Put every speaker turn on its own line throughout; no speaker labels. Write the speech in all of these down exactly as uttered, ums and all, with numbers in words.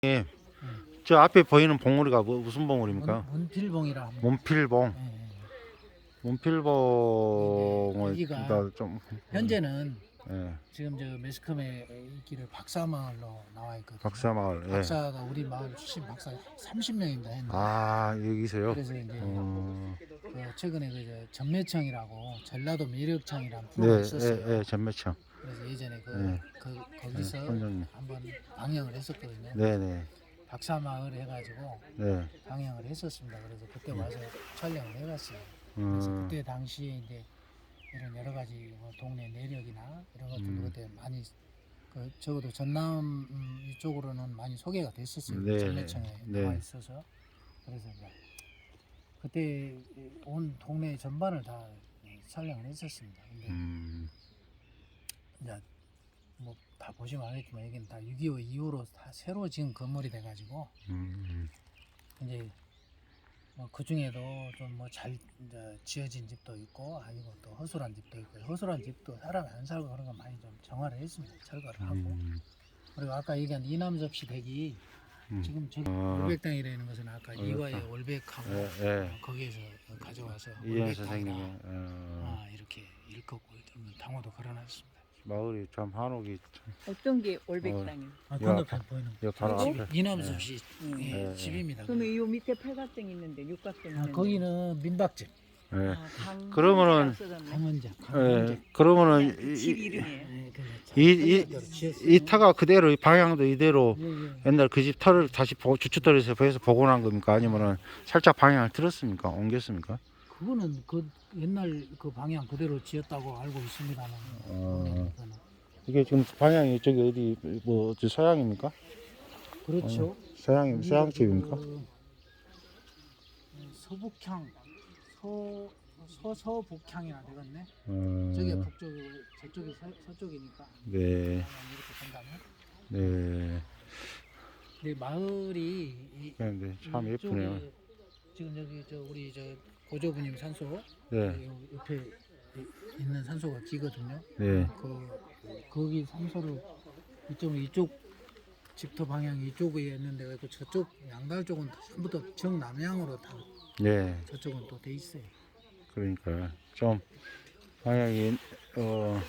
예, 저 앞에 보이는 봉우리가 뭐, 무슨 봉우리입니까?
문, 문필봉이라 합니다.
문필봉.
예, 예.
문필봉을
여기가
나 좀
현재는
예,
지금 저 매스컴에 있기를 박사마을로 나와 있거든요.
박사마을. 예.
박사가 우리 마을 출신 박사 삼십 명인가 했는데
아 여기서요?
그래서 이제
어,
그 최근에 그 전매청이라고 전라도 매력청이라는
네,
프로가 있었어요.
예, 예, 전매청.
그래서 예전에 그,
네.
그 거기서
네, 선생님.
한번 방영을 했었거든요.
네, 네,
박사마을 해가지고
네.
방영을 했었습니다. 그래서 그때 와서 촬영을 해봤어요. 그래서
음,
그때 당시에 이제 이런 여러 가지 뭐 동네 내력이나 이런 것들도
음.
그때 많이 그 적어도 전남 음, 이쪽으로는 많이 소개가 됐었어요.
네,
전매청에
네.
나와 있어서 그래서 이제 그때 온 동네 전반을 다 촬영을 했었습니다. 근데
음,
이제 뭐 다 보시면 알겠지만 여기는 다 육이오 이후로 다 새로 지은 건물이 돼가지고
음,
이제 뭐 그 중에도 좀 뭐 잘 지어진 집도 있고 아니고 또 허술한 집도 있고 허술한 집도 사람이 안 살고 그런 거 많이 좀 정화를 했습니다. 철거를 하고
음,
그리고 아까 얘기한 이남섭씨 댁이
음.
지금 저기
어.
월백당이라는 것은 아까
월백당.
이화의 월백하고
예, 예.
거기에서 가져와서
이현
월백당이다.
선생님의 어,
아, 이렇게 일컫고 당호도 걸어놨습니다.
마을이 참 한옥이 참.
어떤 게 올백당이에요?
아,
야,
건너편 보이는
여 바로
집이
앞에.
이남섭씨
음.
예,
예,
집입니다.
그러면 이 밑에 팔각정 있는데 육각정
아,
있는데
거기는 민박집
예.
아, 강-
그러면은-
써졌네.
강원장
예,
강원장
그러면은
그 집
이,
이름이에요.
예, 그래서
이, 이,
대로 지었어요.
이 타가 그대로 방향도 이대로
예, 예.
옛날 그 집 터를 다시 보- 주춧돌에서 해서 복원한 겁니까? 아니면은 살짝 방향을 틀었습니까? 옮겼습니까?
그거는 그 옛날 그 방향 그대로 지었다고 알고 있습니다만
어. 이게 지금 방향이 저기 어디 뭐 어디 서양입니까?
그렇죠.
서양
여기가
서양집입니까?
그 서북향 서 서서북향이나 되겠네.
어,
저기 북쪽 저쪽이 서, 서쪽이니까
네,
방향 이렇게 된다면.
네.
근데 마을이 이,
그런데 참
이쪽에
예쁘네요.
지금 저기 저 우리 저 고조부님 산소
네,
요 옆에 이- 있는 산소가 기거든요.
네.
그 거기 산소를 이쪽 이쪽 집터 방향이 이쪽에 있는데 그 저쪽 양달 쪽은 전부 다 정남향으로 다
네.
저쪽은 또 돼 있어요.
그러니까 좀 방향이 어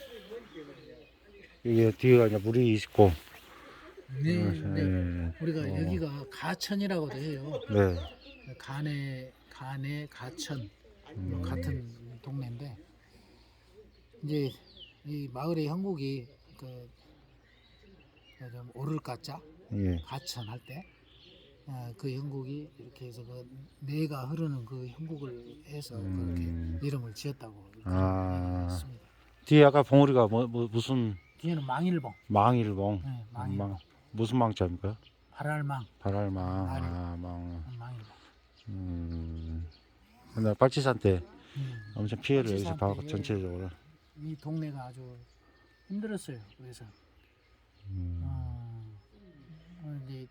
이게 뒤에가 이제 물이 있고
네,
어,
네.
예.
우리가
어,
여기가 가천이라고도 해요.
네.
간에 간에 가천
음.
뭐 같은 동네인데 이제 이 마을의 형국이 그, 그좀 오를 가짜
예.
가천 할 때 그 형국이 이렇게 해서 그 내가 흐르는 그 형국을 해서
음.
그렇게 이름을 지었다고
아.
있습니다.
뒤에 아까 봉우리가 뭐, 뭐 무슨
뒤에는 망일봉,
망일봉?
네, 망일봉,
망 무슨 망자입니까?
발알망,
발알망.
발알.
아, 망.
망일봉.
음. 근데 빨치산 때
음.
엄청 피해를 여기서
빨치산
받고
때
전체적으로.
이 동네가 아주 힘들었어요. 그래서
음.
어, 어, 이제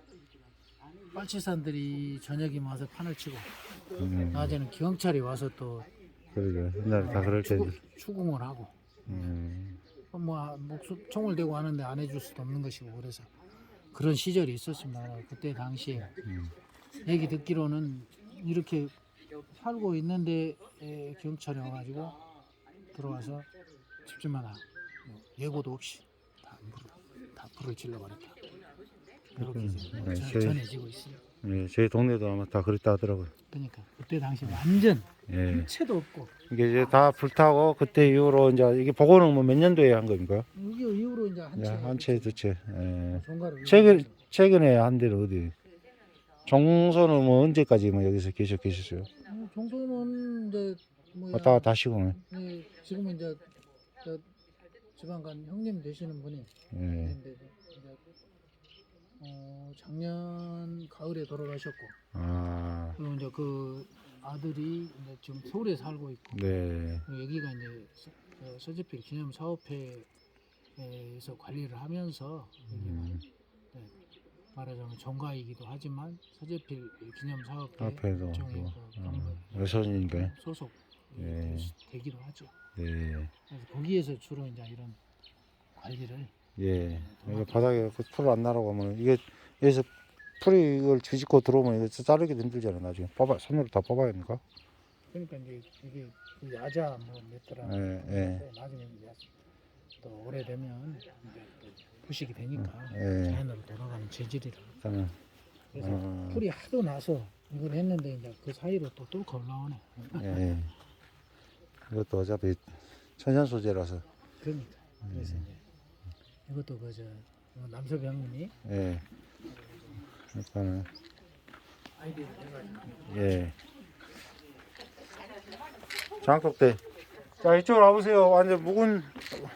빨치산들이 저녁이면 와서 판을 치고
음.
낮에는 경찰이 와서 또
그러게 옛날에 다 그럴 텐데.
추구, 추궁을 하고
음.
뭐 목숨 총을 대고 하는데 안 해줄 수도 없는 것이고 그래서 그런 시절이 있었습니다. 그때 당시에
음.
얘기 듣기로는 이렇게 살고 있는데 에, 경찰이 와가지고 들어와서 집집마다 뭐 예고도 없이 다, 불을, 다 불을 질러버렸다. 이렇게 이제
네,
전-
저희-
전해지고 있어요.
예, 저희 동네도 아마 다 그랬다 하더라고요.
그러니까 그때 당시 완전
예.
한 채도 없고
이게 이제 다 불타고 그때 이후로 이제 이게 복원은 뭐 몇 년도에 한 겁니까?
이게 이후로 이제 한
예,
채,
한 채, 두 채. 예.
종가를
최근 최근에 한 데는 어디? 종소는 뭐 언제까지 뭐 여기서 계속 계셨어요?
어, 정도는 이제 뭐야
왔다 갔다 하시고.
네, 지금은 이제 저 지방간 형님 되시는 분이
예.
있는데 이제 어, 작년 가을에 돌아가셨고
아,
그리고 이제 그 아들이 이제 지금 서울에 살고 있고
네.
그리고 여기가 이제 서, 저 서재필 기념 사업회에서 관리를 하면서 여기가
음,
네, 말하자면 종가이기도 하지만 서재필 기념 사업회
앞에도
일종의
뭐,
그
어,
경력
여선이니까요.
소속
예.
되기도 하죠.
네.
그래서 거기에서 주로 이제 이런 관리를
예. 이게 바닥에 풀 안 나라고 하면 이게 여기서 풀이 이걸 뒤집고 들어오면 이거 자르기도 힘들잖아 나중에. 뽑아 손으로 다 뽑아야 하니까.
그러니까 이제 이게 그 야자 뭐몇 달아
예, 예.
나중에 이제 또 오래되면 이제 또 부식이 되니까
예.
자연으로 돌아가는 재질이라.
일단은
그래서
어.
풀이 하도 나서 이걸 했는데 이제 그 사이로 또 뚫고 올라오네.
예. 이것도 어차피 천연 소재라서.
그러니까 그래서 이제 이것도 그저 남섭이 형님이
예. 일단은
아이디어를 해가지고
예. 장독대. 자 이쪽으로 와보세요. 완전 묵은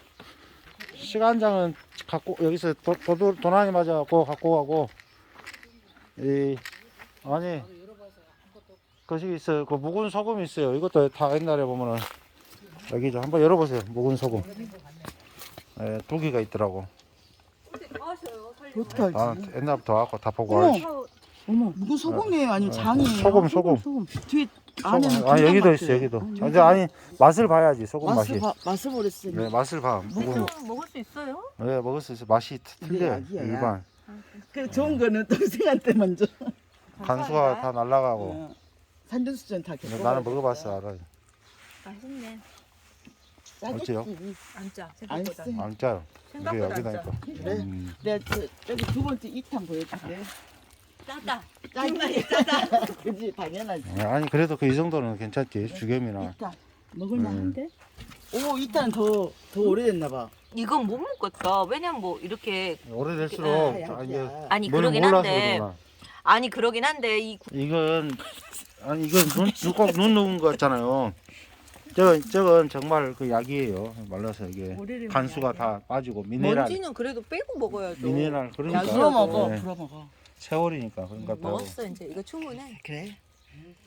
시간장은 갖고 여기서 도, 도, 도난이 맞아갖고 갖고 가고 이 아니 것이 있어요. 그 묵은 소금이 있어요. 이것도 다 옛날에 보면은 여기 좀 한번 열어보세요. 묵은 소금. 예, 두 개가 있더라고.
어떡하지?
아 옛날부터 와갖고 다 보고
어머.
알지.
어머, 무슨 소금이에요? 아니면 장이에요?
소금, 소금.
소금. 뒤에 안에는
소금. 아
된장
여기도
같아요.
있어 여기도.
아니,
근데 아니 맛을 봐야지 소금 맛이.
맛을 봐, 맛을 보랬어요.
네 맛을 봐. 묵은.
먹을 수 있어요?
네 먹을 수 있어. 맛이 틀려.
약이야, 약.
일반.
그 좋은 거는 동생한테 먼저.
간수가 다 날라가고.
어, 산전수전 다 겪어.
나는 먹어봤어 알아.
맛있네.
어째요?
안 짜.
안
생각보다.
쎄.
안 짜요. 이게
생각보다 안
여기다
짜.
있고.
그래?
음.
내가 저, 저기 두 번째 이 탄 보여줄게.
짜다.
짜기 짜다. 그지 당연하지.
아니 그래도 그 이 정도는 괜찮지. 주겸이나.
이 탄. 먹을만한데?
음.
오, 이 탄 더, 더 오래됐나 봐.
이건 못 먹겠다. 왜냐면 뭐 이렇게
오래될수록
아,
아, 이게
약이야.
아니
뭘
그러긴
몰라서
한데
그러구나.
아니 그러긴 한데 이 구-
이건 아니 이건 눈꼭눈 녹은 거 같잖아요. 저건 저건 정말 그 약이에요. 말라서 이게
오래되면
간수가
약이야.
다 빠지고 미네랄
먼지는 그래도 빼고 먹어야죠.
미네랄 그러니까
약이라도.
불어 먹어,
네.
불어 먹어.
세월이니까 그러니까 또
먹었어 이제 이거 충분해.
그래?